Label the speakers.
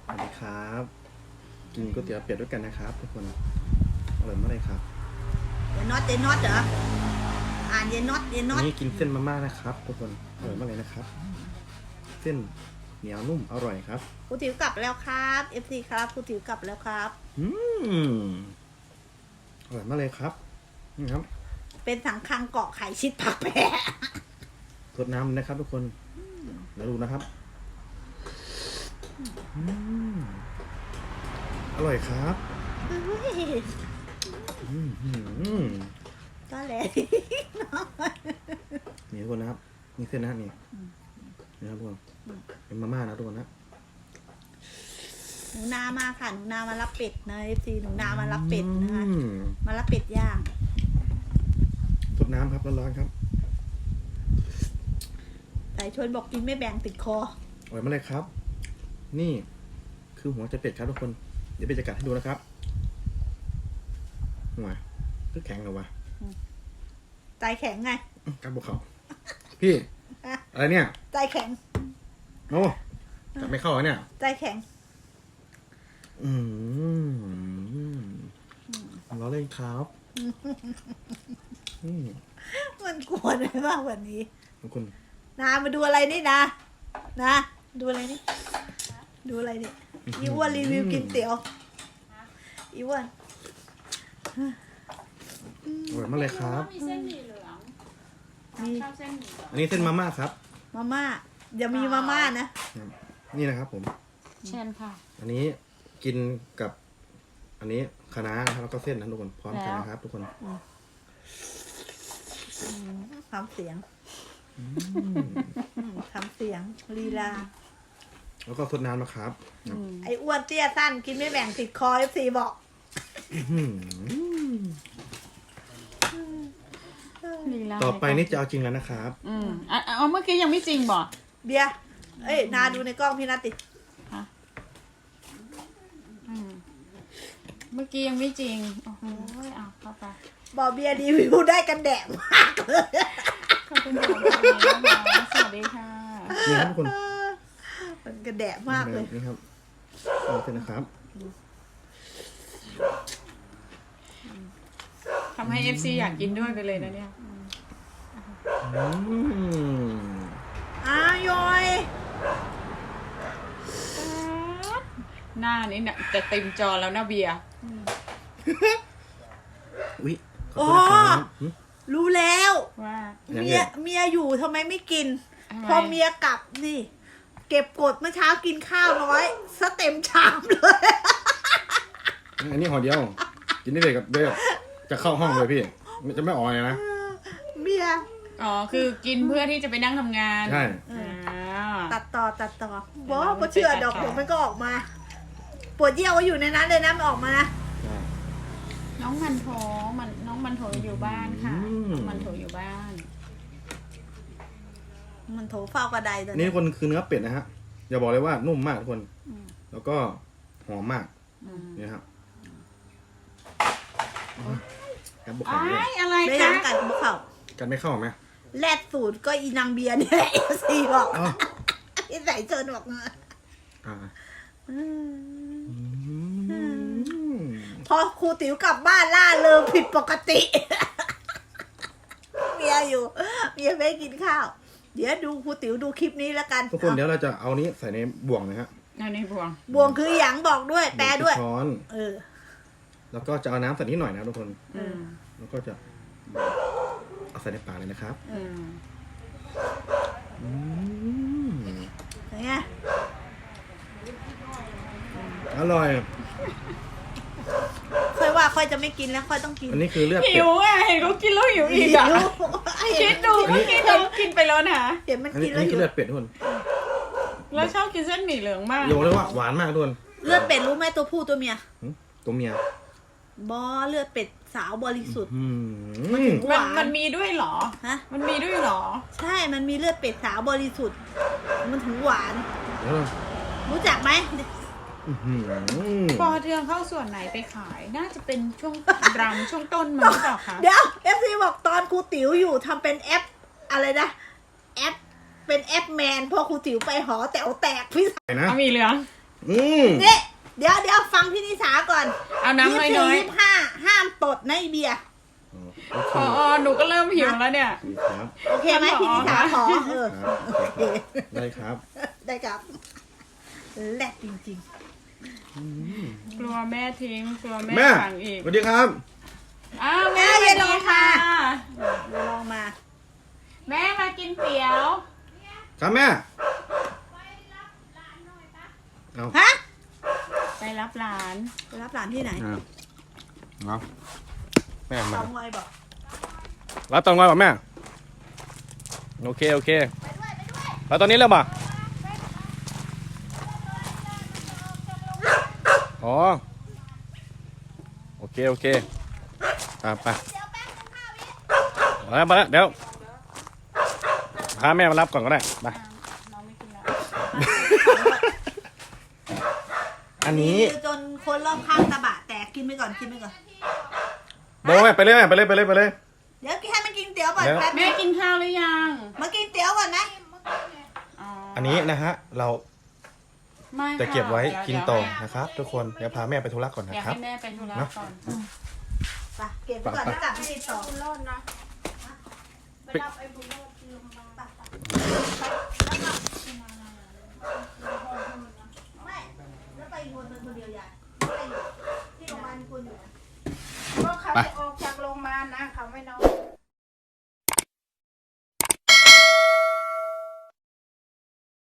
Speaker 1: สวัสดีครับกินก๋วยเตี๋ยวเป็ดด้วยกันนะครับทุกคนอร่อยมากเลยครับ
Speaker 2: เยนน็อตเหรออ่านเยนน็อต
Speaker 1: นี่กินเส้นมาม่านะครับทุกคนอร่อยมากเลยนะครับเส้นเหนียวนุ่มอร่อยครับ
Speaker 2: ครูติ๋วกลับแล้วครับ FC ครับครูติ๋วกลับแล้วครับ
Speaker 1: อร่อยมากเลยครับนี่ครับ
Speaker 2: เป็นสังคังเกาะไข่ชิดผักแพะ
Speaker 1: ทดน้ำนะครับทุกคนแล้วดูนะครับอร่อยครับ
Speaker 2: ก็เลย
Speaker 1: นี่ทุกคนนะครับนี่เส้นนะนี่นะครับทุกคนเป็นมาม่านะทุกคนนะ
Speaker 2: หนูนามาค่ะหนูนามารับเป็ดนะ FC หนูนามารับเป็ดนะคะมารับเป็ดย่าง
Speaker 1: ทดน้ำครับร้อนๆครับ
Speaker 2: แต่ชวนบอกกินไม่แบ่งติดคอ
Speaker 1: อร่อยมากเลยครับนี่คือหัวใจเป็ดครับทุกคนเดี๋ยวไปจะกัดให้ดูนะครับหัวคือแข็งเหรอวะ
Speaker 2: ใจแข็งไง
Speaker 1: กัดบุกเขาพี่อะไรเนี่ย
Speaker 2: ใจแข็ง
Speaker 1: โอ้กัดไม่เข้าเนี่ย
Speaker 2: ใจแข็ง
Speaker 1: ล้อเล่นครับ
Speaker 2: มันกวนเลยมากวันนี้
Speaker 1: ทุกคน
Speaker 2: นามาดูอะไรนี่นะดูอะไรนี่ดูอะไรนี่อีอ้วนรีวิวกินเตี๋ยวอีอ้วน
Speaker 1: อร่อยมากเลยครับ
Speaker 3: มีเส้นหมี่เหลืองชอบเส้นหมี่
Speaker 1: อันนี้เส้นมาม่าครับ
Speaker 2: มาม่าอย่ามีมาม่านะ
Speaker 1: นี่นะครับผม
Speaker 3: เช่นค่ะ
Speaker 1: อันนี้กินกับอันนี้คะน้านะครับแล้วก็เส้นนะทุกคนพร้อมกันนะครับทุกคน
Speaker 2: ทำเสียงทำเสียงลีลา
Speaker 1: แล้วก็สดน้ำนะครับ
Speaker 2: ไอ้อ้วนเตี้ยสั้นกินไม่แบ่งติดคอ FC บอก
Speaker 1: ต่อไปนี่จะเอาจริงแล้วนะครับ
Speaker 3: เมื่อกี้ยังไม่จริงบ่
Speaker 2: เบียร์เอ้ยนาดูในกล้องพี่นาติ
Speaker 3: เมื่อกี้ยังไม่จริงโอ้โหเอาเข้าไป
Speaker 2: บอกเบียร์รีวิวได้กันแดดมากเลย
Speaker 3: ขอบคุณค่ะสวัสดีค่ะ
Speaker 1: นี่ครับทุกคน
Speaker 2: มันกระแดะมากเลย
Speaker 1: นี่ครับเอาเถอะนะครับ
Speaker 3: ทำให้ FC อยากกินด้วยไปเลยนะเนี่ย
Speaker 2: ยอย
Speaker 3: หน้านี้เนี่ยจะเต็มจอแล้วนะเบียร์
Speaker 1: อุ๊ย
Speaker 2: อ๋อรู้แล้ว
Speaker 3: ว่า
Speaker 2: เมียอยู่ทำไมไม่กินพอเมียกลับนี่เก็บกดเมื่อเช้ากินข้าวน้อยซะเต็มชามเลย
Speaker 1: อันนี้ห่อเดียวกินได้เลยกับเดียวจะเข้าห้องเลยพี่จะไม่อ่อยนะ
Speaker 2: เมีย
Speaker 3: คือกินเพื่อที่จะไปนั่งทำงาน
Speaker 1: ใช่
Speaker 2: ตัดต่อบอกเชื่อดอกเดี๋ยวมันก็ออกมาปวดเยี่ยวก็อยู่ในนั้นเลยนะมันออกมานะ
Speaker 3: น้องมันโถอยู่บ้านค่ะน้องมันโถอยู่บ้าน
Speaker 2: มันโถเฝ้ากระไดตัว
Speaker 1: นี่คนคือเนื้อเป็ดนะฮะอย่าบอกเลยว่านุ่มมากทุกคนแล้วก็หอมมากนี่ครับกันบุกเขา
Speaker 3: อะไร
Speaker 2: ไม่
Speaker 3: คะ
Speaker 2: กันบุกเขา
Speaker 1: กันไม่เข้าไหม
Speaker 2: แรดสูตรก็อีนางเบียร์เนี่ยซีบอกที่ใส่เชิญบอกเงยพอครูติ๋วกลับบ้านล่าเริงผิดปกติเมียไม่กินข้าวเดี๋ยวดูครูติ๋วดูคลิปนี้แล้วกัน
Speaker 1: ทุกคนเดี๋ยวเราจะเอานี้ใส่ในบ่วงนะฮะ
Speaker 3: ใน
Speaker 2: บ่วงคือหยางบอกด้วยแปลด้วย
Speaker 1: ช้อนแล้วก็จะเอาน้ำใส่นิดหน่อยนะทุกคนแล้วก็จะเอาใส่ในปากเลยนะครับ
Speaker 2: อย่างเงี้ย
Speaker 1: อร่อย
Speaker 2: ค่อยว่าค่อยจะไม่กินแล้วค่อยต้องกิน
Speaker 1: อันนี้คือเลือด
Speaker 3: หิวอ่ะเห็นเขากินแล้วหิวอีกอ่ะคิดดูเมื่อกี้เขากินไปแล้วนะ
Speaker 2: เห็นมันกินแล้ว
Speaker 1: อันนี้คือเลือดเป็ดทุกคน
Speaker 3: แล้วชอบกินเส้นหมี่เหลืองมาก
Speaker 1: โยงเลยว่าหวานมากทุกคน
Speaker 2: เลือดเป็ดรู้ไหมตัวผู้ตัวเมีย
Speaker 1: ตัวเมีย
Speaker 2: เลือดเป็ดสาวบริสุทธิ์
Speaker 3: มันมีด้วยเหรอ
Speaker 2: ฮะ
Speaker 3: มันมีด้วยเหรอ
Speaker 2: ใช่มันมีเลือดเป็ดสาวบริสุทธิ์มันถึงหวานรู้จักไหม
Speaker 3: ปอเทืองเข้าส่วนไหนไปขายน่าจะเป็นช่วงรำช่วงต้นมั้งหรือเปล่าคะ
Speaker 2: เดี๋ยว FC บอกตอนครูติ๋วอยู่ทำเป็นแอปอะไรนะแอปเป็นแอปแมนพอครูติ๋วไปหอแต๋วแตกพี่
Speaker 1: นะ
Speaker 3: มีเหลือง
Speaker 2: นี่เดี๋ยวฟังพี่นิสาก่อน
Speaker 3: เอาน้ำน้อย
Speaker 2: 24 25ห้ามตดในะไอ้เบียร์
Speaker 1: โอเค
Speaker 3: ๆอ๋อหนูก็เริ่มหิวแล้วเนี่ย
Speaker 1: ดีครับ
Speaker 2: โอเคไหมพี่นิสาขอ
Speaker 1: ครับ
Speaker 2: โอเค
Speaker 1: ได้ครับ
Speaker 2: ได้ครับแหลกจริง
Speaker 3: กลัวแม่ทิ้งกลัวแม่
Speaker 1: แม่
Speaker 3: ขังอีก
Speaker 1: สวัสดีครับ
Speaker 3: อ้าวแม่
Speaker 2: แม่
Speaker 3: มา
Speaker 2: อย่าล
Speaker 3: ดี
Speaker 2: ง
Speaker 3: ค่ะ
Speaker 2: มา ๆเดี๋ยวลองมา
Speaker 3: แม่มากินเตี๋ยว
Speaker 1: ครับแม่เอา
Speaker 2: ฮะ
Speaker 3: ไปรับหลาน
Speaker 2: ไปรับหลานที่ไหน
Speaker 1: เอาแม่
Speaker 2: ส
Speaker 1: มา
Speaker 2: องงอยบอก
Speaker 1: รับตอนไงป่ะแม่โอเคโอเคแล้วตอนนี้เริ่มป่ะอ๋อโอเคโอเคไปมาแล้วเดี๋ยวพาแม่มารับก่อนก็ได้ไป
Speaker 3: น้องไม่กินแล้ว
Speaker 1: อันนี้
Speaker 2: จนคนรอบข้างตะบะแตกกินไปก่อน
Speaker 1: โบแม่ไปเลยแม่ไปเลย
Speaker 2: เดี๋ยวให้มันกินเตี๋ยวก่อน
Speaker 1: เดี๋ยว
Speaker 2: แป๊บ
Speaker 3: แม่กินข้าวหรือยัง
Speaker 2: มากินเตี๋ยวก่อนนะ
Speaker 1: อันนี้นะฮะเรา
Speaker 3: ไม่
Speaker 1: จะเก็บไว้
Speaker 3: ค่ะ
Speaker 1: กินต่อนะครับ ทุกคนเดี๋ยวพาแม่ไปธุระก่อน
Speaker 3: เดี๋
Speaker 1: นะ
Speaker 3: ยว
Speaker 1: ครับ
Speaker 3: ให้แม่ไปธุระ
Speaker 1: เนอะ
Speaker 3: ก่อน
Speaker 2: ไปเก็บไว้ก่อนแล้วกลับไปติดต่อ
Speaker 3: คุณรอดนะ
Speaker 2: ไปรับไอ้บุญรอดที่โรงพยาบาลไม่แล้วไปอีกคนนึงคนเดียวยายไปอยู่ที่โรงพยาบาลมีคนอยู่นะ
Speaker 3: เพราะเขาจะออกจากโรงพยาบาลนะเขาไม่นอน